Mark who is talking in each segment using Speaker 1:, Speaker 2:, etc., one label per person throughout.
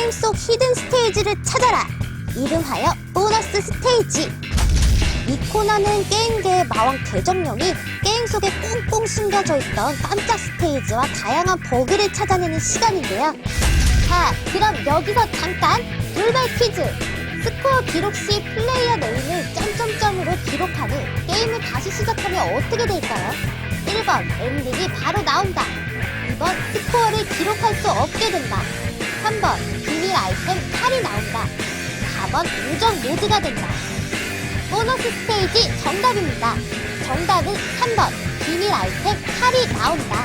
Speaker 1: 게임 속 히든 스테이지를 찾아라. 이름하여 보너스 스테이지. 이 코너는 게임계의 마왕 대정령이 게임 속에 꽁꽁 숨겨져 있던 깜짝 스테이지와 다양한 버그를 찾아내는 시간인데요. 자, 그럼 여기서 잠깐 돌발 퀴즈. 스코어 기록 시 플레이어 네임을 점점점으로 기록하는 게임을 다시 시작하면 어떻게 될까요? 1번 엔딩이 바로 나온다. 2번 스코어를 기록할 수 없게 된다. 3번 비밀 아이템 칼이 나온다. 4번 우정 모드가 된다. 보너스 스테이지 정답입니다. 정답은 3번 비밀 아이템 칼이 나온다.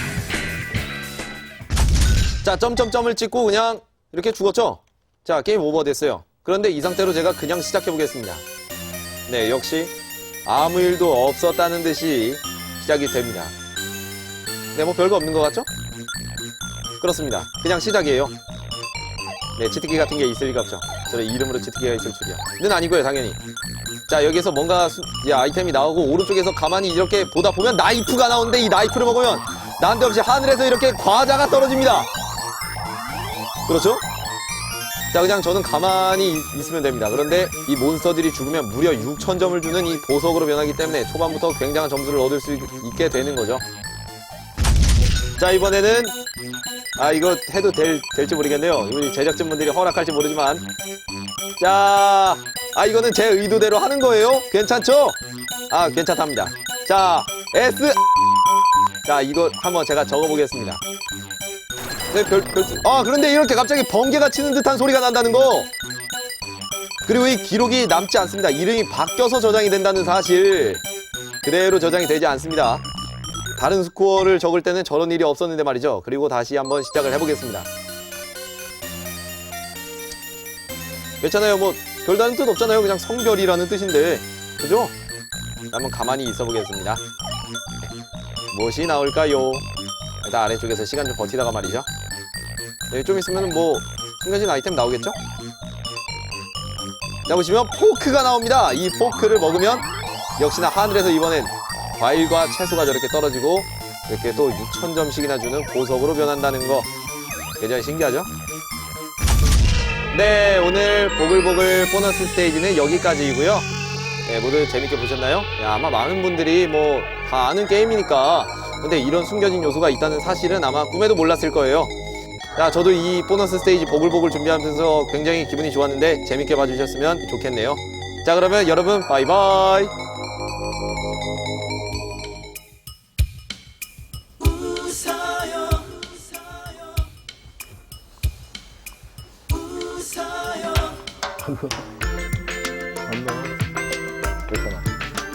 Speaker 2: 자, 점점점을 찍고 그냥 이렇게 죽었죠? 자, 게임 오버 됐어요. 그런데 이 상태로 제가 그냥 시작해보겠습니다. 네, 역시 아무 일도 없었다는 듯이 시작이 됩니다. 네, 뭐 별거 없는 것 같죠? 그렇습니다. 그냥 시작이에요. 네, 치트키 같은 게 있을 리가 없죠. 저의 이름으로 치트키가 있을 줄이야. 는 아니고요, 당연히. 자, 여기에서 뭔가 아이템이 나오고 오른쪽에서 가만히 이렇게 보다 보면 나이프가 나오는데 이 나이프를 먹으면 난데없이 하늘에서 이렇게 과자가 떨어집니다. 그렇죠? 자, 그냥 저는 가만히 있으면 됩니다. 그런데 이 몬스터들이 죽으면 무려 6,000점을 주는 이 보석으로 변하기 때문에 초반부터 굉장한 점수를 얻을 수 있게 되는 거죠. 자, 이번에는 이거 해도 될지 모르겠네요. 우리 제작진분들이 허락할지 모르지만 자, 이거는 제 의도대로 하는 거예요. 괜찮죠? 괜찮답니다. 자, S. 자, 이거 한번 제가 적어보겠습니다. 네, 그런데 이렇게 갑자기 번개가 치는 듯한 소리가 난다는 거. 그리고 이 기록이 남지 않습니다. 이름이 바뀌어서 저장이 된다는 사실. 그대로 저장이 되지 않습니다. 다른 스코어를 적을 때는 저런 일이 없었는데 말이죠. 그리고 다시 한번 시작을 해보겠습니다. 괜찮아요. 뭐 별다른 뜻 없잖아요. 그냥 성별이라는 뜻인데, 그죠? 한번 가만히 있어 보겠습니다. 무엇이 나올까요? 일단 아래쪽에서 시간 좀 버티다가 말이죠. 네, 좀 있으면 뭐 숨겨진 아이템 나오겠죠? 자, 보시면 포크가 나옵니다. 이 포크를 먹으면 역시나 하늘에서 이번엔 과일과 채소가 저렇게 떨어지고 이렇게 또 6,000점씩이나 주는 보석으로 변한다는 거 굉장히 신기하죠? 네, 오늘 보글보글 보너스 스테이지는 여기까지이고요. 네, 모두 재밌게 보셨나요? 아마 많은 분들이 뭐 다 아는 게임이니까 근데 이런 숨겨진 요소가 있다는 사실은 아마 꿈에도 몰랐을 거예요. 자, 저도 이 보너스 스테이지 보글보글 준비하면서 굉장히 기분이 좋았는데 재밌게 봐주셨으면 좋겠네요. 자, 그러면 여러분 바이바이. 괜찮아.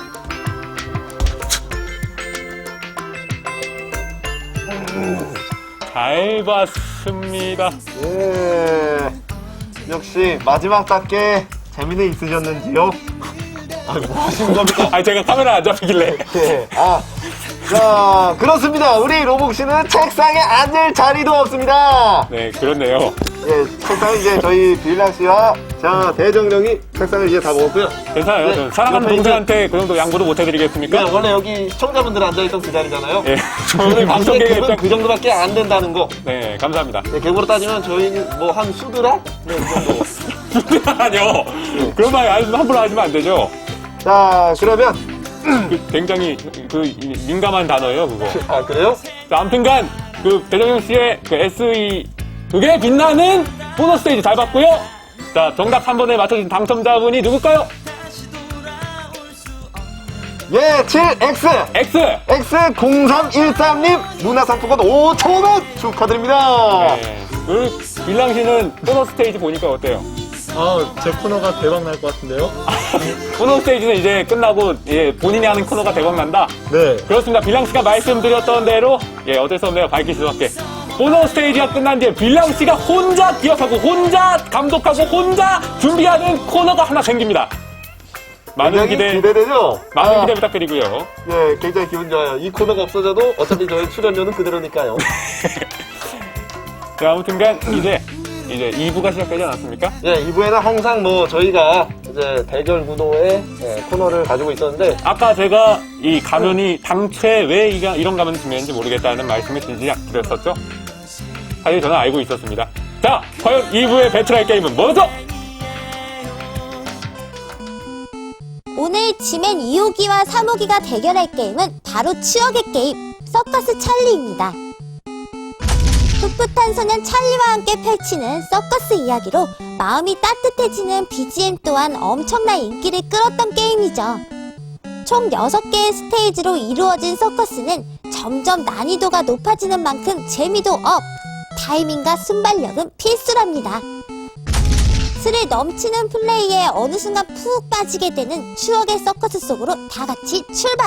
Speaker 3: 잘 봤습니다.
Speaker 4: 예. 역시 마지막답게 재미는 있으셨는지요? 뭐 하신 겁니까?
Speaker 3: 제가 카메라 안 잡히길래.
Speaker 4: 예. 자, 그렇습니다. 우리 로복씨는 책상에 앉을 자리도 없습니다.
Speaker 3: 네, 그렇네요.
Speaker 4: 예, 책상에 이제 저희 빌랑씨와 대정령이 책상을 이제 다 먹었고요.
Speaker 3: 괜찮아요.
Speaker 4: 네,
Speaker 3: 저 사랑하는
Speaker 4: 옆에
Speaker 3: 동생한테 그 정도 양보도 못 해드리겠습니까?
Speaker 4: 네, 원래 여기 시청자분들 앉아있던 그 자리잖아요.
Speaker 3: 예.
Speaker 4: 저희
Speaker 3: 저는
Speaker 4: 방송의
Speaker 3: 방송계에
Speaker 4: 급은 그 정도밖에 안 된다는 거.
Speaker 3: 네, 감사합니다.
Speaker 4: 네, 객으로 따지면 저희는 뭐 한 수드라? 네, 그 정도.
Speaker 3: 아니요. 그런 말 함부로 하시면 안 되죠.
Speaker 4: 자, 그러면
Speaker 3: 굉장히 민감한 단어예요, 그거.
Speaker 4: 그래요?
Speaker 3: 자, 아무튼간 대정령 씨의 SE 그게 빛나는 보너스 스테이지 잘 봤고요. 자, 정답 3번에 맞춰주신 당첨자분이 누굴까요?
Speaker 4: 예, 7X!
Speaker 3: X!
Speaker 4: X0313님 문화상품권 5,000원 축하드립니다.
Speaker 3: 네. 빌랑 씨는 보너스 스테이지 보니까 어때요?
Speaker 5: 제 코너가 대박 날 것 같은데요?
Speaker 3: 보너스 스테이지는 이제 끝나고 본인이 하는 코너가 대박난다?
Speaker 5: 네.
Speaker 3: 그렇습니다. 빌랑 씨가 말씀드렸던 대로 어쩔 수 없네요. 밝힐 수밖에. 보너스 스테이지가 끝난 뒤에 빌랑 씨가 혼자 기억하고 혼자 감독하고 혼자 준비하는 코너가 하나 생깁니다. 많은
Speaker 4: 기대되죠?
Speaker 3: 많은 기대 부탁드리고요.
Speaker 4: 예, 굉장히 기분 좋아요. 이 코너가 없어져도 어차피 저희 출연료는 그대로니까요.
Speaker 3: 자, 아무튼간 이제 2부가 시작되지 않았습니까?
Speaker 4: 예, 2부에는 항상 뭐 저희가 이제 대결 구도의 코너를 가지고 있었는데
Speaker 3: 아까 제가 이 가면이 당최 왜 이런 가면이 중요한지 모르겠다는 말씀을 드렸었죠? 사실 저는 알고 있었습니다. 자, 과연 2부의 배틀할 게임은 뭐죠?
Speaker 1: 오늘 지맨 2호기와 3호기가 대결할 게임은 바로 추억의 게임 서커스 찰리입니다. 풋풋한 소년 찰리와 함께 펼치는 서커스 이야기로 마음이 따뜻해지는 BGM 또한 엄청난 인기를 끌었던 게임이죠. 총 6개의 스테이지로 이루어진 서커스는 점점 난이도가 높아지는 만큼 재미도 업! 타이밍과 순발력은 필수랍니다. 스릴 넘치는 플레이에 어느 순간 푹 빠지게 되는 추억의 서커스 속으로 다 같이 출발!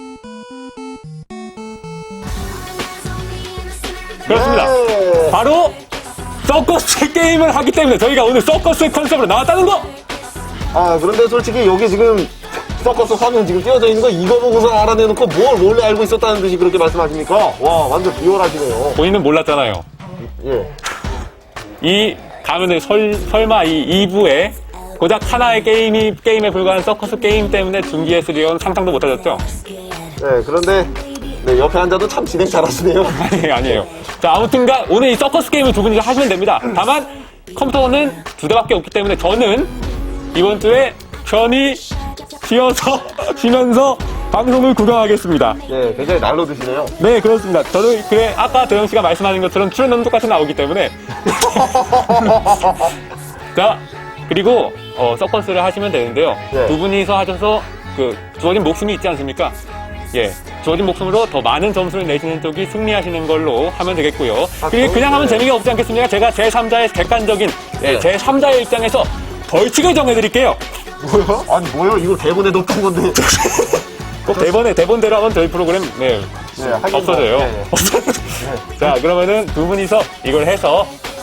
Speaker 3: 그렇습니다.
Speaker 4: 네.
Speaker 3: 바로 서커스 게임을 하기 때문에 저희가 오늘 서커스 컨셉으로 나왔다는 거!
Speaker 4: 아, 그런데 솔직히 여기 지금 서커스 화면 지금 띄워져 있는 거 이거 보고서 알아내놓고 뭘 원래 알고 있었다는 듯이 그렇게 말씀하십니까? 와, 완전 비열하시네요.
Speaker 3: 본인은 몰랐잖아요.
Speaker 4: 예.
Speaker 3: 이 가면은 설마 이 2부에 고작 하나의 게임에 불과한 서커스 게임 때문에 준비했으리온 상상도 못하셨죠?
Speaker 4: 네, 그런데 네, 옆에 앉아도 참 진행 잘하시네요.
Speaker 3: 아니에요. 자, 아무튼간 오늘 이 서커스 게임을 두 분이서 하시면 됩니다. 다만 컴퓨터는 2대밖에 없기 때문에 저는 이번 주에 편히 쉬면서 방송을 구경하겠습니다.
Speaker 4: 네, 굉장히 날로 드시네요.
Speaker 3: 네, 그렇습니다. 저도 그래 아까 도영 씨가 말씀하신 것처럼 출연료는 똑같이 나오기 때문에 자, 그리고 서커스를 하시면 되는데요.
Speaker 4: 네.
Speaker 3: 두 분이서 하셔서 그 주어진 목숨이 있지 않습니까? 예, 주어진 목숨으로 더 많은 점수를 내시는 쪽이 승리하시는 걸로 하면 되겠고요. 그리고 그냥 하면 재미가 없지 않겠습니까? 제가 제3자의 객관적인 제3자의 입장에서 벌칙을 정해드릴게요.
Speaker 4: 뭐요? 아니, 뭐요? 이거 대본에 넣었던 건데.
Speaker 3: 꼭 대본대로 하면 저희 프로그램
Speaker 4: 네, 하긴
Speaker 3: 없어져요.
Speaker 4: 네, 네.
Speaker 3: 자, 그러면은 두 분이서 이걸 해서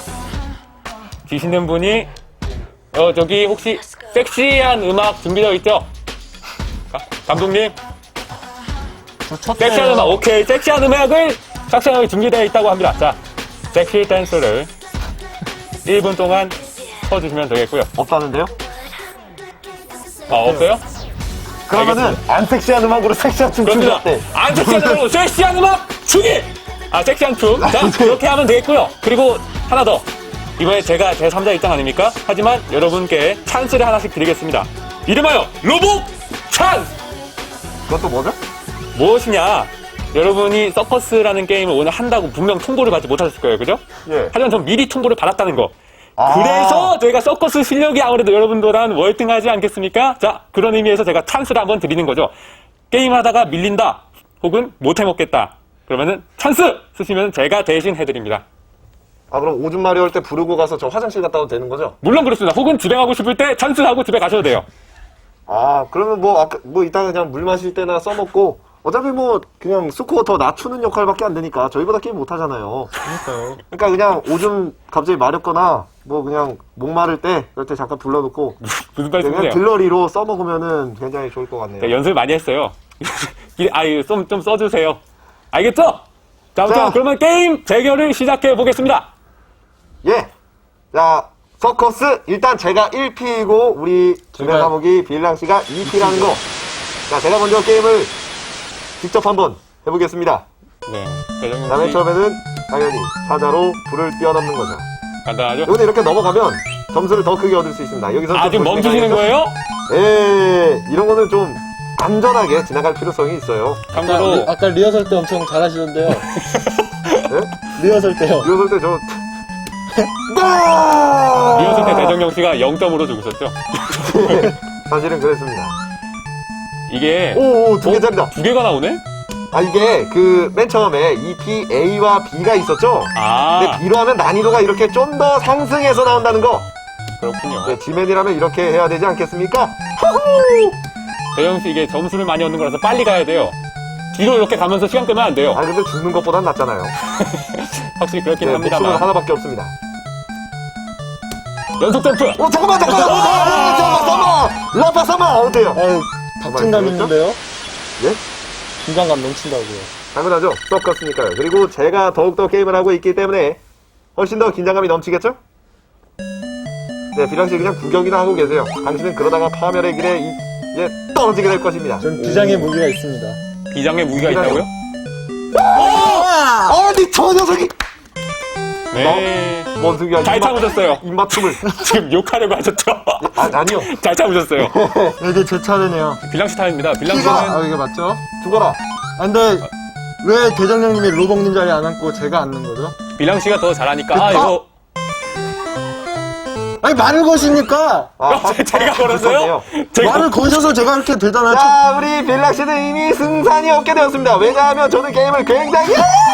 Speaker 3: 지시는 분이 저기 혹시 섹시한 음악 준비되어 있죠? 감독님, 섹시한 음악, 오케이. 섹시한 음악을 삭제하게 준비되어 있다고 합니다. 자, 섹시 댄스를 1분 동안 쳐주시면 되겠고요.
Speaker 4: 없다는데요?
Speaker 3: 없어요?
Speaker 4: 그러면은 안 섹시한 음악으로 섹시한 춤 추기
Speaker 3: 그렇습니다.
Speaker 4: 어때?
Speaker 3: 안 섹시한 음악으로 섹시한 음악 추기! 섹시한 춤. 자, 그렇게 하면 되겠고요. 그리고 하나 더. 이번에 제가 제3자 입장 아닙니까? 하지만 여러분께 찬스를 하나씩 드리겠습니다. 이름하여 로봇 찬스!
Speaker 4: 그것도 뭐죠?
Speaker 3: 무엇이냐? 여러분이 서커스라는 게임을 오늘 한다고 분명 통보를 받지 못하셨을 거예요. 그죠?
Speaker 4: 예.
Speaker 3: 하지만 전 미리 통보를 받았다는 거.
Speaker 4: 아.
Speaker 3: 그래서 저희가 서커스 실력이 아무래도 여러분보다는 월등하지 않겠습니까? 자, 그런 의미에서 제가 찬스를 한번 드리는 거죠. 게임하다가 밀린다, 혹은 못해먹겠다. 그러면은 찬스! 쓰시면 제가 대신 해드립니다.
Speaker 4: 아, 그럼 오줌 마려울 때 부르고 가서 저 화장실 갔다 와도 되는 거죠?
Speaker 3: 물론 그렇습니다. 혹은 집에 가고 싶을 때 찬스하고 집에 가셔도 돼요.
Speaker 4: 아, 그러면 뭐 이따가 그냥 물 마실 때나 써먹고 어차피 뭐 그냥 스코어 더 낮추는 역할밖에 안 되니까 저희보다 게임 못 하잖아요.
Speaker 5: 그러니까요.
Speaker 4: 그러니까 그냥 오줌 갑자기 마렵거나 뭐 그냥 목마를 때 그럴 때 잠깐 불러놓고
Speaker 3: 무슨
Speaker 4: 그냥
Speaker 3: 말씀이세요?
Speaker 4: 들러리로 써먹으면은 굉장히 좋을 것 같네요.
Speaker 3: 네, 연습을 많이 했어요. 좀 써주세요. 알겠죠? 자, 아무튼
Speaker 4: 자.
Speaker 3: 그러면 게임 대결을 시작해 보겠습니다.
Speaker 4: 예. 자, 서커스 일단 제가 1P이고 우리 주변 감옥이 빌랑 씨가 2P라는 거. 자, 제가 먼저 게임을 직접 한번 해보겠습니다.
Speaker 3: 네,
Speaker 4: 자, 맨 처음에는 당연히 사자로 불을 뛰어넘는 거죠.
Speaker 3: 간단하죠?
Speaker 4: 여기서 이렇게 넘어가면 점수를 더 크게 얻을 수 있습니다. 여기서
Speaker 3: 지금 멈추시는 거예요?
Speaker 4: 예, 이런 거는 좀 안전하게 지나갈 필요성이 있어요.
Speaker 3: 참고로
Speaker 5: 아까 리허설 때 엄청 잘하시던데요.
Speaker 4: 네?
Speaker 5: 리허설 때요.
Speaker 4: 이랬을 때 저
Speaker 3: 리허설 때 대정령 씨가 0점으로 죽으셨죠?
Speaker 4: 사실은 그랬습니다.
Speaker 3: 이게
Speaker 4: 오, 두 개짜리다.
Speaker 3: 두 개가 나오네?
Speaker 4: 아, 이게 그 맨 처음에 2P A와 B가 있었죠? 근데 B로 하면 난이도가 이렇게 좀 더 상승해서 나온다는 거.
Speaker 3: 그렇군요.
Speaker 4: 네, 지맨이라면 이렇게 해야 되지 않겠습니까?
Speaker 3: 대정 씨 이게 점수를 많이 얻는 거라서 빨리 가야 돼요. 뒤로 이렇게 가면서 시간 끄면 안 돼요.
Speaker 4: 아, 근데 죽는 것보단 낫잖아요.
Speaker 3: 확실히 그렇긴
Speaker 4: 네, 목숨은
Speaker 3: 합니다만.
Speaker 4: 하나밖에 없습니다.
Speaker 3: 연속 점프!
Speaker 4: 잠깐만! 라파 삼아! 어때요?
Speaker 5: 아유, 박진감 있는데요?
Speaker 4: 예?
Speaker 5: 긴장감 넘친다고요.
Speaker 4: 당연하죠. 서커스니까요. 그리고 제가 더욱더 게임을 하고 있기 때문에 훨씬 더 긴장감이 넘치겠죠? 네, 비랑씨 그냥 구경이나 하고 계세요. 당신은 그러다가 파멸의 길에 떨어지게 될 것입니다.
Speaker 5: 전 비장의 무기가 있습니다.
Speaker 3: 비장의 무기가
Speaker 4: 비장의
Speaker 3: 있다고요?
Speaker 4: 아니, 저 녀석이!
Speaker 3: 네.
Speaker 4: 뭔 소리야?
Speaker 3: 잘 참으셨어요.
Speaker 4: 입맞춤을.
Speaker 3: 지금 욕하려고 하셨죠?
Speaker 4: 아니요.
Speaker 3: 잘 참으셨어요.
Speaker 5: 이제 제 차례네요.
Speaker 3: 빌랑씨 타임입니다.
Speaker 5: 키가,
Speaker 3: 빌랑씨는
Speaker 5: 이게 맞죠?
Speaker 4: 죽어라.
Speaker 5: 아, 근데, 왜 대장님이 로봉님 자리에 안 앉고 제가 앉는 거죠?
Speaker 3: 빌랑씨가 더 잘하니까 이거
Speaker 5: 아니, 말을 거시니까!
Speaker 3: 제가 걸었어요? 제가
Speaker 5: 말을 거셔서 제가 이렇게 되잖아요.
Speaker 4: 자, 우리 빌락씨는 이미 승산이 없게 되었습니다. 왜냐하면 저는 게임을 굉장히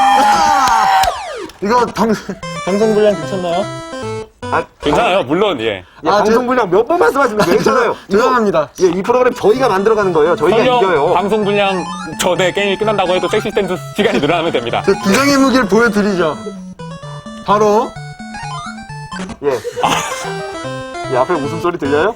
Speaker 5: 이거 방송 분량 괜찮나요?
Speaker 3: 괜찮아요. 물론 예.
Speaker 4: 방송 분량 몇 번 말씀하시는 거예요? 괜찮아요.
Speaker 5: 죄송합니다.
Speaker 4: 이 프로그램 저희가 만들어가는 거예요. 저희가
Speaker 3: 설령
Speaker 4: 이겨요.
Speaker 3: 방송 분량 전에 게임이 끝난다고 해도 섹시 댄스 시간이 늘어나면 됩니다.
Speaker 5: 제 비장의 무기를 보여드리죠. 바로,
Speaker 4: 예. 이 앞에 웃음소리 들려요?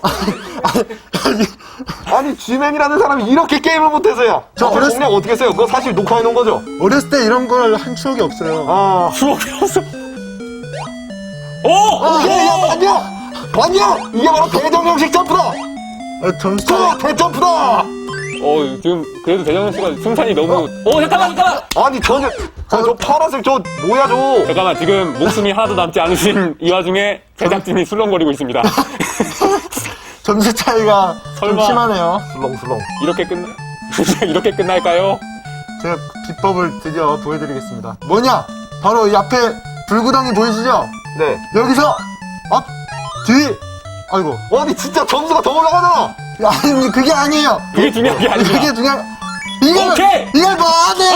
Speaker 4: 아니, G맨이라는 사람이 이렇게 게임을 못해서야.
Speaker 5: 저
Speaker 4: 저 공략 어떻게 써요? 그거 사실 녹화해 놓은 거죠?
Speaker 5: 어렸을 때 이런 걸 한 추억이 없어요.
Speaker 4: 아.
Speaker 3: 추억이 없어. 오!
Speaker 4: 야, 봤냐? 봤냐? 이게 바로 대정형식 점프다!
Speaker 5: 점수
Speaker 4: 대점프다!
Speaker 3: 지금 그래도 대정현 씨가 승산이 너무 잠깐만.
Speaker 4: 아니, 저 파란색 뭐야, 저.
Speaker 3: 잠깐만 지금 목숨이 하나도 남지 않으신 이 와중에 제작진이 술렁거리고 있습니다.
Speaker 5: 점수 차이가 좀
Speaker 3: 설마.
Speaker 5: 심하네요.
Speaker 4: 슬렁슬렁.
Speaker 3: 이렇게 끝날까요?
Speaker 5: 제가 비법을 드디어 보여드리겠습니다. 뭐냐? 바로 이 앞에 불구덩이 보이시죠?
Speaker 4: 네.
Speaker 5: 여기서 앞, 뒤. 아이고.
Speaker 4: 아니, 진짜 점수가 더 올라가잖아!
Speaker 5: 아니 그게 아니에요.
Speaker 3: 그게 중요한 게 아닙니다.
Speaker 5: 그게 중요한. 이걸
Speaker 3: 오케이!
Speaker 5: 이걸 뭐 하네?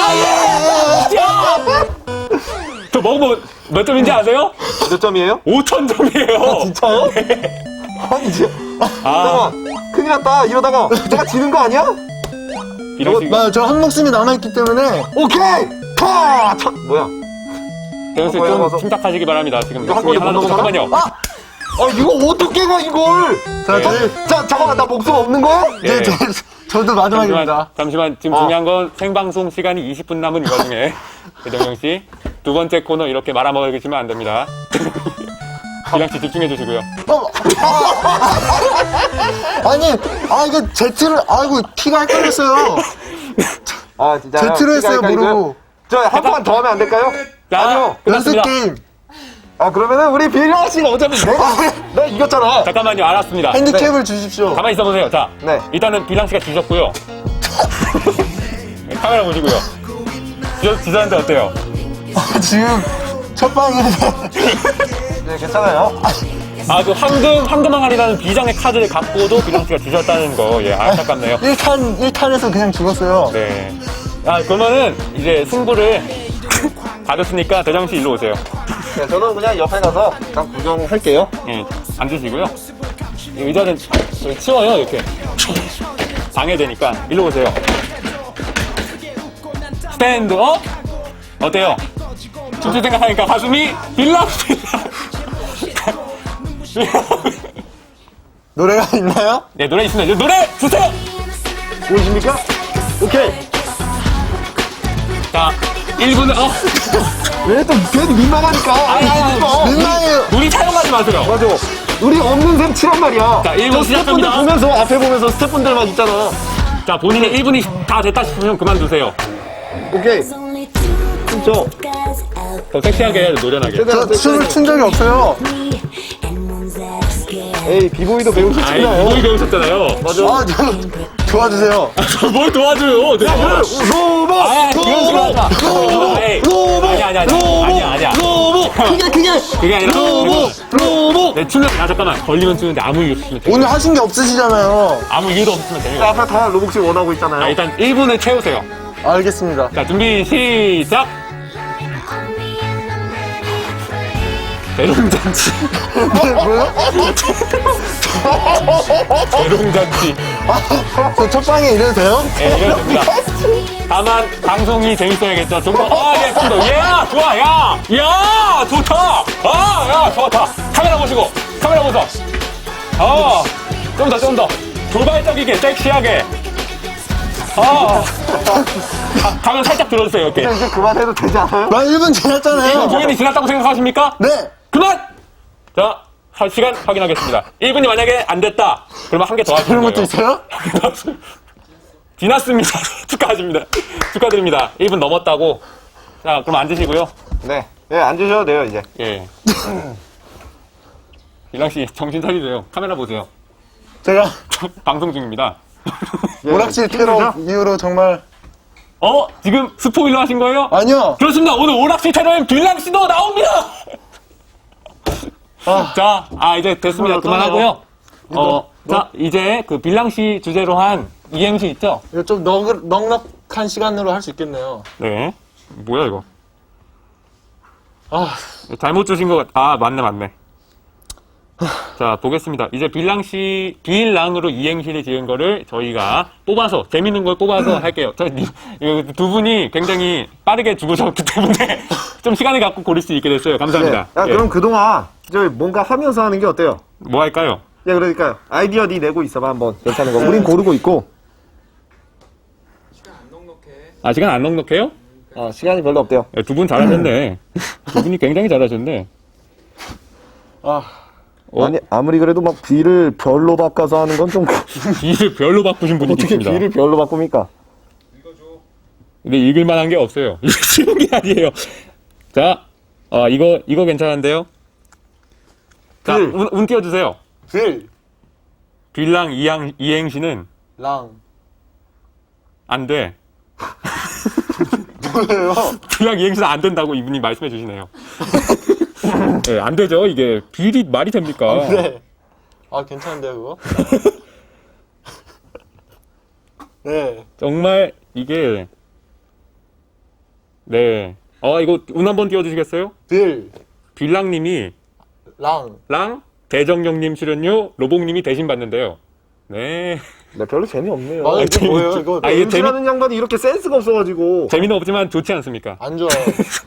Speaker 3: 저 먹어본 몇 점인지 아세요?
Speaker 4: 몇 점이에요?
Speaker 3: 5,000점이에요.
Speaker 4: 진짜요? 아니, 진짜. 잠깐만. 큰일 났다. 이러다가 내가 지는 거 아니야?
Speaker 3: 이런
Speaker 5: 저 한 목숨이 남아있기 때문에
Speaker 4: 오케이! 파! 뭐야?
Speaker 3: 대현 씨
Speaker 4: 먹어서.
Speaker 3: 좀 침착하시기 바랍니다. 지금
Speaker 4: 이거 한
Speaker 3: 목숨이
Speaker 4: 번에
Speaker 3: 하나도
Speaker 4: 못 넘어가나?
Speaker 3: 잠깐만요.
Speaker 4: 이거 어떻게 가, 이걸!
Speaker 5: 자,
Speaker 4: 자, 잠깐만. 나 목숨 없는 거야?
Speaker 3: 예.
Speaker 5: 저도 마지막입니다.
Speaker 3: 잠시만 지금 중요한 건 생방송 시간이 20분 남은 이 와중에 대정영 씨 두 번째 코너 이렇게 말아먹으시면 안 됩니다. 기랑 씨 집중해 주시고요.
Speaker 5: 아니, 이거 Z를, 아이고, 키가 헷갈렸어요.
Speaker 4: 아, 진짜.
Speaker 5: Z를 했어요, 모르고.
Speaker 4: 한 번만 더 하면 안 될까요?
Speaker 3: 자,
Speaker 4: 아니요.
Speaker 5: 연습
Speaker 3: 끝났습니다.
Speaker 5: 게임.
Speaker 4: 그러면은 우리 빌라 씨가 어차피 내가 이겼잖아.
Speaker 3: 잠깐만요, 알았습니다.
Speaker 5: 핸디캡을 주십시오.
Speaker 3: 가만히 있어보세요. 자,
Speaker 4: 네.
Speaker 3: 일단은 빌랑 씨가 지셨고요. 카메라 보시고요. 지셨는데 어때요?
Speaker 5: 지금 첫 방에서
Speaker 4: 네, 괜찮아요.
Speaker 3: 그 황금 항아리라는 비장의 카드를 갖고도 빌랑 씨가 지셨다는 거, 예, 안타깝네요.
Speaker 5: 1탄에서 그냥 죽었어요.
Speaker 3: 네. 그러면은 이제 승부를 받았으니까 대장 씨 일로 오세요.
Speaker 4: 네, 저는 그냥 옆에 가서 잠깐 구경할게요.
Speaker 3: 예, 앉으시고요. 이 의자는 치워요, 이렇게. 방해되니까. 일로 오세요. 스탠드업? 어때요? 춤출 생각하니까 가슴이 빌락.
Speaker 5: 노래가 있나요?
Speaker 3: 네, 노래 있습니다. 이제 노래 주세요!
Speaker 4: 보이십니까? 오케이.
Speaker 3: 자, 1분은,
Speaker 4: 왜 또 괜히 민망하니까.
Speaker 3: 아니.
Speaker 5: 민망해요.
Speaker 3: 우리 촬영하지 마세요.
Speaker 4: 맞아. 우리 없는 셈 치란 말이야.
Speaker 3: 자, 1분
Speaker 4: 저 스태프분들
Speaker 3: 시작합니다.
Speaker 4: 보면서 앞에 보면서 스태프분들만 있잖아.
Speaker 3: 자, 본인의 1분이 다 됐다 싶으면 그만두세요.
Speaker 4: 오케이. 춤춰.
Speaker 3: 더 섹시하게 해야 돼, 노련하게.
Speaker 5: 저 춤을 춘 적이 없어요.
Speaker 4: 에이, 비보이도
Speaker 3: 아이,
Speaker 4: 배우셨잖아요.
Speaker 3: 뭘 배우셨잖아요.
Speaker 4: 맞아.
Speaker 5: 도와주세요.
Speaker 3: 뭘 도와줘요?
Speaker 4: 로봇!
Speaker 3: 그런 식으로 하자. 아니야.
Speaker 4: 로봇!
Speaker 3: 그게 아니라.
Speaker 4: 로봇!
Speaker 3: 네, 춤을, 잠깐만. 걸리면 추는데 아무 이유 없으면 돼요.
Speaker 5: 오늘 하신 게 없으시잖아요.
Speaker 3: 아무 이유도 없으면 돼요.
Speaker 4: 앞에 다 로봇이 원하고 있잖아요.
Speaker 3: 일단 1분을 채우세요.
Speaker 5: 알겠습니다.
Speaker 3: 자, 준비, 시작! 대롱잔치.
Speaker 5: 뭐요?
Speaker 3: 대롱잔치.
Speaker 5: 저 첫 방에 이래도 돼요?
Speaker 3: 예, 이래도 됩니다. 다만, 방송이 재밌어야겠죠. 좀 더, 예, 좀 더. 좋아, 야, 좋다. 야, 좋다. 카메라 보시고, 카메라 보소. 좀 더. 도발적이게, 섹시하게. 가면 살짝 들어주세요, 이렇게.
Speaker 4: 이제 그만해도 되지 않아요?
Speaker 5: 나 1분 지났잖아요.
Speaker 3: 공연이 지났다고 생각하십니까?
Speaker 5: 네.
Speaker 3: 그만! 자, 시간 확인하겠습니다. 1분이 만약에 안 됐다. 그러면 한 개 더 하시는
Speaker 5: 그런
Speaker 3: 거예요.
Speaker 5: 것도 있어요?
Speaker 3: 지났습니다. 축하드립니다. 1분 넘었다고. 자, 그럼 앉으시고요.
Speaker 4: 네. 예, 앉으셔도 돼요, 이제.
Speaker 3: 예. 빌랑 씨, 정신 차리세요. 카메라 보세요.
Speaker 5: 제가
Speaker 3: 방송 중입니다.
Speaker 4: 예,
Speaker 5: 오락실 테러 이후로 정말
Speaker 3: 지금 스포일러 하신 거예요?
Speaker 5: 아니요.
Speaker 3: 그렇습니다. 오늘 오락실 테러엔 빌랑 씨도 나옵니다. 자, 이제 됐습니다. 그만하고요. 자, 이제 그 빌랑 씨 주제로 한 이행시 있죠?
Speaker 5: 이거 좀 넉넉한 시간으로 할 수 있겠네요.
Speaker 3: 네. 뭐야 이거?
Speaker 5: 아,
Speaker 3: 잘못 주신 것 맞네. 자, 보겠습니다. 이제 빌랑으로 이행시를 지은 거를 저희가 뽑아서, 재밌는 걸 뽑아서 할게요. 두 분이 굉장히 빠르게 죽으셨기 때문에 좀 시간을 갖고 고를 수 있게 됐어요. 감사합니다.
Speaker 4: 야,
Speaker 3: 예.
Speaker 4: 그럼 그동안 저희 뭔가 하면서 하는 게 어때요?
Speaker 3: 뭐 할까요?
Speaker 4: 예, 그러니까요. 아이디어 니 내고 있어봐, 한번. 괜찮은 거. 우린 고르고 있고.
Speaker 3: 시간 안 넉넉해요?
Speaker 4: 시간이 별로 없대요.
Speaker 3: 두 분 잘하셨네. 두 분이 굉장히 잘하셨네.
Speaker 4: 아니, 아무리 그래도 막 B를 별로 바꿔서 하는 건 좀.
Speaker 3: B를 별로 바꾸신 분이
Speaker 4: 어떻게
Speaker 3: 있습니다.
Speaker 4: B를 별로 바꿉니까?
Speaker 3: 근데 읽을 만한 게 없어요. 이거 쉬운 게 아니에요. 자, 이거 괜찮은데요? 자,
Speaker 5: 빌.
Speaker 3: 운 띄워주세요. 빌랑 이행시는
Speaker 5: 랑.
Speaker 3: 안 돼.
Speaker 5: 뭐예요?
Speaker 3: 빌랑 이행시는 안 된다고 이분이 말씀해 주시네요. 네, 안 되죠. 이게 빌이 말이 됩니까?
Speaker 5: 네. 괜찮은데요, 그거? 네.
Speaker 3: 정말 이게 네. 이거 운 한번 띄워주시겠어요? 빌랑님이
Speaker 5: 랑.
Speaker 3: 대정령님 출연료 로봉님이 대신 받는데요. 네.
Speaker 4: 네, 별로 재미없네요.
Speaker 5: 이게 뭐예요, 이거?
Speaker 3: 이게
Speaker 4: MC라는 양반이 이렇게 센스가 없어가지고.
Speaker 3: 재미는 없지만 좋지 않습니까?
Speaker 5: 안 좋아요.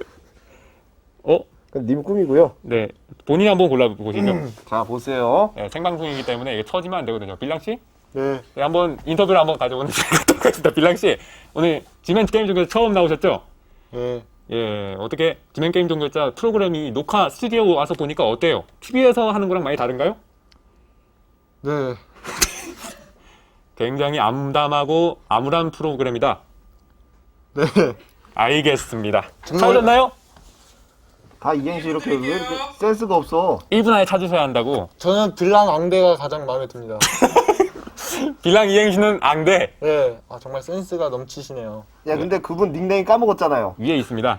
Speaker 4: 그건 님 꿈이고요.
Speaker 3: 네. 본인이 한번 골라보시죠.
Speaker 4: 자, 보세요.
Speaker 3: 네, 생방송이기 때문에 이게 쳐지면 안 되거든요. 빌랑씨?
Speaker 5: 네.
Speaker 3: 네, 한번 인터뷰를 한번 가져오는 시간이 똑같습니다. 빌랑씨, 오늘 지멘 게임 중에서 처음 나오셨죠?
Speaker 5: 네.
Speaker 3: 예, 어떻게 지멘 게임 종결자 프로그램이 녹화 스튜디오 와서 보니까 어때요? TV에서 하는 거랑 많이 다른가요?
Speaker 5: 네.
Speaker 3: 굉장히 암담하고 암울한 프로그램이다.
Speaker 5: 네.
Speaker 3: 알겠습니다. 찾으셨나요?
Speaker 4: 다 이행시 이렇게 왜 이렇게 센스가 없어?
Speaker 3: 1분 안에 찾으셔야 한다고.
Speaker 5: 저는 빌랑 앙대가 가장 마음에 듭니다.
Speaker 3: 빌랑 이행시는 앙대
Speaker 5: 네. 정말 센스가 넘치시네요.
Speaker 4: 야, 근데 그분 닉네임 까먹었잖아요.
Speaker 3: 위에 있습니다.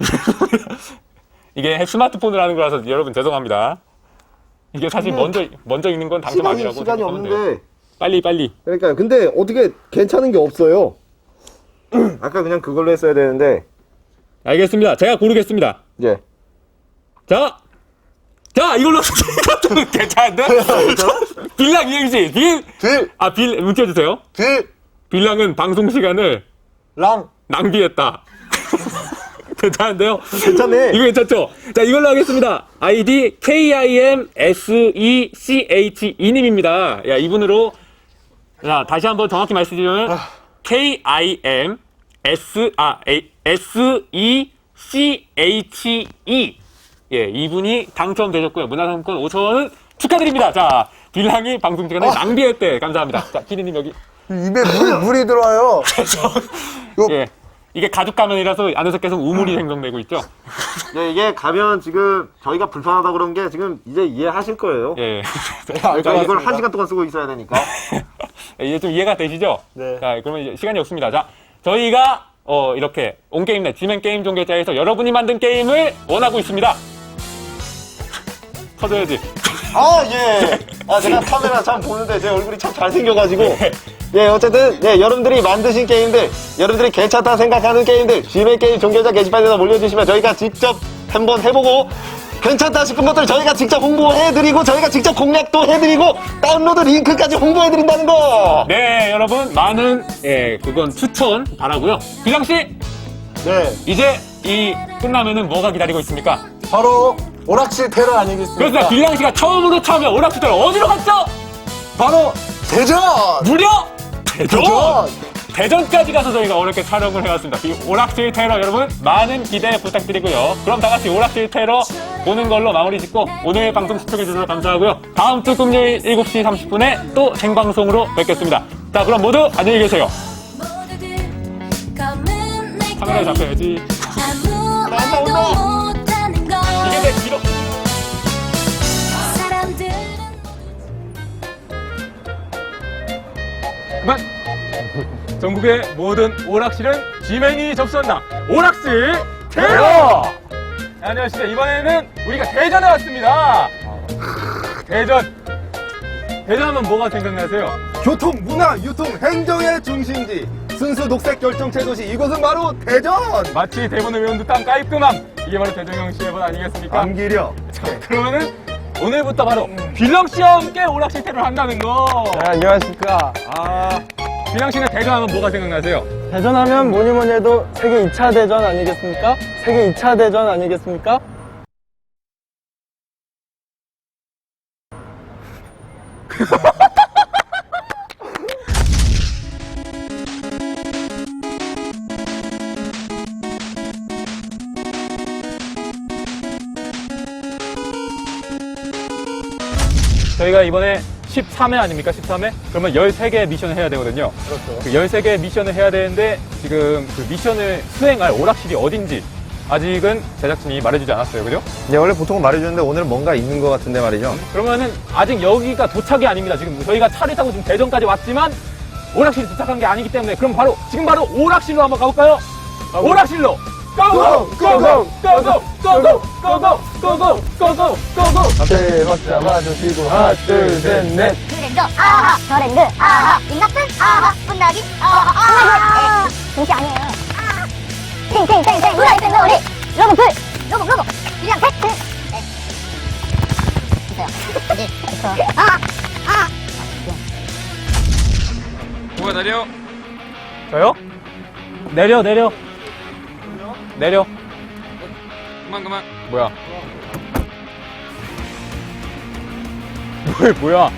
Speaker 3: 이게 스마트폰으로 하는 거라서 여러분 죄송합니다. 이게 사실 먼저 읽는 건 당첨 아니라고
Speaker 4: 시간이
Speaker 3: 생각하면 돼요.
Speaker 4: 없는데.
Speaker 3: 빨리.
Speaker 4: 그러니까요. 근데 어떻게 괜찮은 게 없어요. 아까 그냥 그걸로 했어야 되는데.
Speaker 3: 알겠습니다. 제가 고르겠습니다.
Speaker 4: 예.
Speaker 3: 자, 이걸로 괜찮은데? 빌랑 이행시 문 띄워주세요. 빌랑은 방송 시간을
Speaker 5: 랑.
Speaker 3: 낭비했다. 괜찮은데요?
Speaker 4: 괜찮네.
Speaker 3: 이거 괜찮죠? 자, 이걸로 하겠습니다. 아이디 KIMSECH2님입니다. 야, 이분으로 자, 다시 한번 정확히 말씀드리면 KIMSECHE 이분이 당첨되셨고요. 문화상품권 5,000원은 축하드립니다. 자, 빌랑이 방송 시간에 낭비했대. 감사합니다. 자, 피디님 여기.
Speaker 5: 입에 물이 들어와요.
Speaker 3: 예. 이게 가죽 가면이라서 안에서 계속 우물이 생성되고 있죠.
Speaker 4: 네, 이게 가면 지금 저희가 불편하다 그런 게 지금 이제 이해하실 거예요.
Speaker 3: 예.
Speaker 4: 자, 이걸 1시간 동안 쓰고 있어야 되니까.
Speaker 3: 이제 좀 이해가 되시죠?
Speaker 5: 네.
Speaker 3: 자, 그러면 이제 시간이 없습니다. 자, 저희가 이렇게 온게임넷 지멘 게임 종결자에서 여러분이 만든 게임을 원하고 있습니다. 터져야지.
Speaker 4: 예. 제가 카메라 참 보는데 제 얼굴이 참 잘생겨가지고. 예, 어쨌든, 여러분들이 만드신 게임들, 여러분들이 괜찮다 생각하는 게임들, 지멘 게임 종결자 게시판에다 올려주시면 저희가 직접 한번 해보고, 괜찮다 싶은 것들 저희가 직접 홍보해드리고, 저희가 직접 공략도 해드리고, 다운로드 링크까지 홍보해드린다는 거!
Speaker 3: 네, 여러분, 많은, 그건 추천 바라고요. 빌랑씨,
Speaker 5: 네.
Speaker 3: 이제 끝나면은 뭐가 기다리고 있습니까?
Speaker 5: 바로 오락실 테러 아니겠습니까?
Speaker 3: 그렇습니다. 빌랑씨가 처음으로 참여 오락실테러 어디로 갔죠?
Speaker 5: 바로 대전!
Speaker 3: 무려 대전!
Speaker 5: 대전!
Speaker 3: 대전까지 가서 저희가 어렵게 촬영을 해왔습니다. 이 오락실 테러 여러분 많은 기대 부탁드리고요. 그럼 다 같이 오락실 테러 보는 걸로 마무리 짓고 오늘 방송 시청해주셔서 감사하고요. 다음 주 금요일 7시 30분에 또 생방송으로 뵙겠습니다. 자, 그럼 모두 안녕히 계세요. 카메라에 잡혀야지.
Speaker 1: 아무 말도 못하는
Speaker 3: 전국의 모든 오락실은 지맨이 접수한다. 오락실 대여! 네, 안녕하십니까. 이번에는 우리가 대전에 왔습니다. 대전하면 뭐가 생각나세요?
Speaker 6: 교통, 문화, 유통, 행정의 중심지 순수 녹색 결정체 도시 이곳은 바로 대전!
Speaker 3: 마치 대본을 외운 듯한 깔끔함. 이게 바로 대전형 시해본 아니겠습니까?
Speaker 6: 안기려
Speaker 3: 그러면은 오늘부터 바로 빌랑 씨와 함께 오락실 테러를 한다는 거.
Speaker 7: 안녕하십니까.
Speaker 3: 빌랑 씨는 대전하면 뭐가 생각나세요?
Speaker 7: 대전하면 뭐니 해도 세계 2차 대전 아니겠습니까? 세계 2차 대전 아니겠습니까?
Speaker 3: 저희가 이번에 13회 아닙니까? 13회? 그러면 13개의 미션을 해야 되거든요. 그렇죠. 그 13개의 미션을 해야 되는데 지금 그 미션을 수행할 오락실이 어딘지 아직은 제작진이 말해주지 않았어요. 그죠?
Speaker 6: 네, 원래 보통은 말해주는데 오늘은 뭔가 있는 것 같은데 말이죠.
Speaker 3: 그러면은 아직 여기가 도착이 아닙니다. 지금 저희가 차를 타고 지금 대전까지 왔지만 오락실이 도착한 게 아니기 때문에 그럼 바로 지금 바로 오락실로 한번 가볼까요? 오락실로 고고! 고고! 고고! 고고! 고고! 고고! 고고! 고고!
Speaker 7: 앞에 박자 맞으시고 하나 둘셋넷
Speaker 1: 트렌드 아하 트렌드 아하 임낙준 아하 분나기 아하 중시 아니에요 탱탱탱탱 후라이팬 놀이 로봇 불 로봇 그냥 팩트 있어요 됐어 아아
Speaker 3: 누가 내려? 저요? 내려. 그만. 뭐야? 뭐야?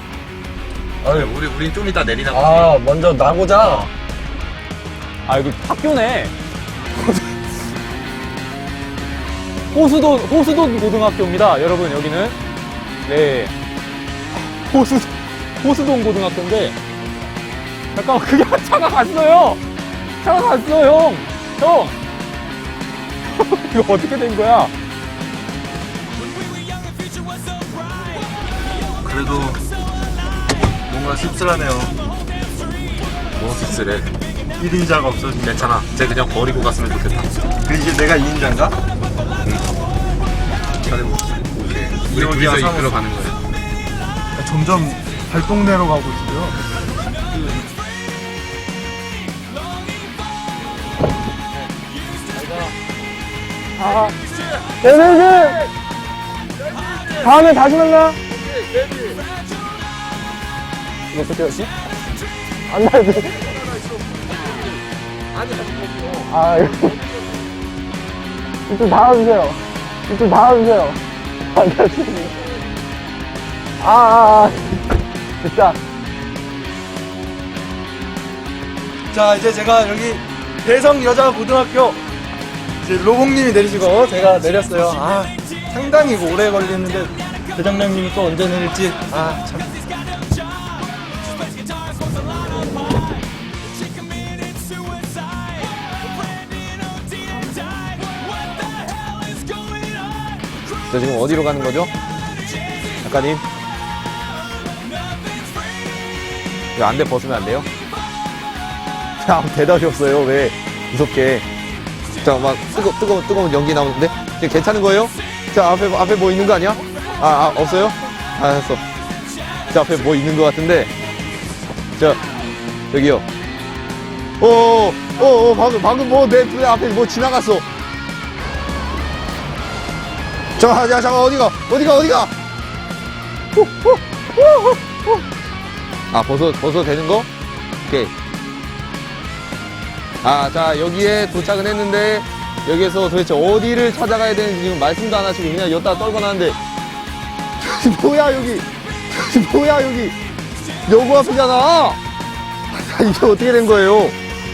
Speaker 6: 우린 좀 이따 내리나
Speaker 7: 먼저 나고자.
Speaker 3: 이거 학교네. 호수돈 고등학교입니다. 여러분, 여기는. 네. 호수돈 고등학교인데. 잠깐만, 그게 차가 갔어요! 형! 이거 어떻게 된 거야?
Speaker 6: 그래도 뭔가 씁쓸하네요.
Speaker 2: 뭐 씁쓸해.
Speaker 6: 1인자가 없어진
Speaker 2: 괜찮아. 쟤 그냥 버리고 갔으면 좋겠다.
Speaker 6: 그 이제 내가 2인자인가?
Speaker 2: 우리 둘이서 이끌어 가는 거야.
Speaker 5: 점점 발동내로 가고 있어요.
Speaker 7: 네네네. 다음에 다시 만나. 이거 어떻게 하지? 안 나지? 이거. 이쪽 나와주세요. 안 나지? 됐다.
Speaker 5: 자, 이제 제가 여기 대성여자고등학교 이제 로봉님이 내리시고 제가 내렸어요. 상당히 오래 걸리는데 대장님이 또 언제 내릴지 참.
Speaker 2: 저 지금 어디로 가는 거죠? 작가님? 이거 안대 벗으면 안 돼요? 자, 대답이 없어요. 왜? 무섭게. 자, 막 뜨거운 연기 나오는데? 지금 괜찮은 거예요? 자, 앞에 뭐 있는 거 아니야? 없어요? 알았어. 자, 앞에 뭐 있는 거 같은데? 자, 여기요. 방금 뭐 내 앞에 뭐 지나갔어. 잠깐, 어디가? 벗어도 되는 거? 오케이. 자, 여기에 도착은 했는데, 여기에서 도대체 어디를 찾아가야 되는지 지금 말씀도 안 하시고 그냥 여기다 떨고 나는데, 뭐야, 여기? 여고 앞이잖아! 이게 어떻게 된 거예요?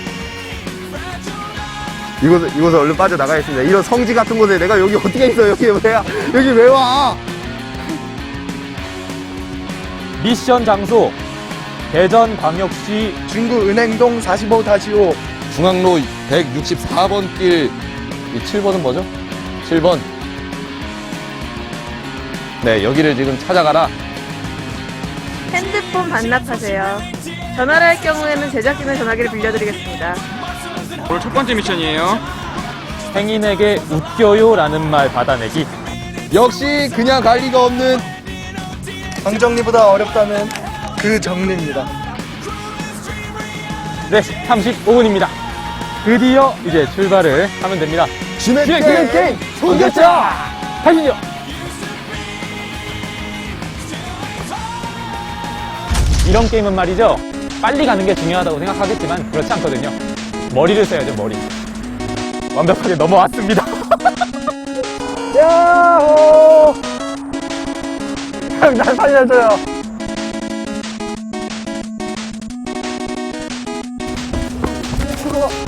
Speaker 2: 이곳을 얼른 빠져나가겠습니다. 이런 성지 같은 곳에 내가 여기 어떻게 있어? 여기 왜 와?
Speaker 3: 미션 장소. 대전광역시
Speaker 5: 중구은행동 45-5
Speaker 2: 중앙로 164번 길, 이 7번은 뭐죠? 7번. 네, 여기를 지금 찾아가라.
Speaker 8: 핸드폰 반납하세요. 전화를 할 경우에는 제작진의 전화기를 빌려드리겠습니다.
Speaker 9: 오늘 첫 번째 미션이에요.
Speaker 3: 행인에게 웃겨요라는 말 받아내기.
Speaker 6: 역시 그냥 갈 리가 없는
Speaker 5: 방정리보다 어렵다는 그 정리입니다.
Speaker 3: 네, 35분입니다. 드디어 이제 출발을 하면 됩니다.
Speaker 6: 지멘 게임
Speaker 3: 소개자! 가시죠! 이런 게임은 말이죠. 빨리 가는 게 중요하다고 생각하겠지만 그렇지 않거든요. 머리를 써야죠, 머리. 완벽하게 넘어왔습니다.
Speaker 7: 야호! 형, 날 살려줘요.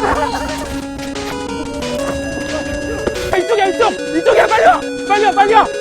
Speaker 3: 이쪽이야, 이쪽! 이쪽이야, 빨리 와! 빨리 와, 빨리 와!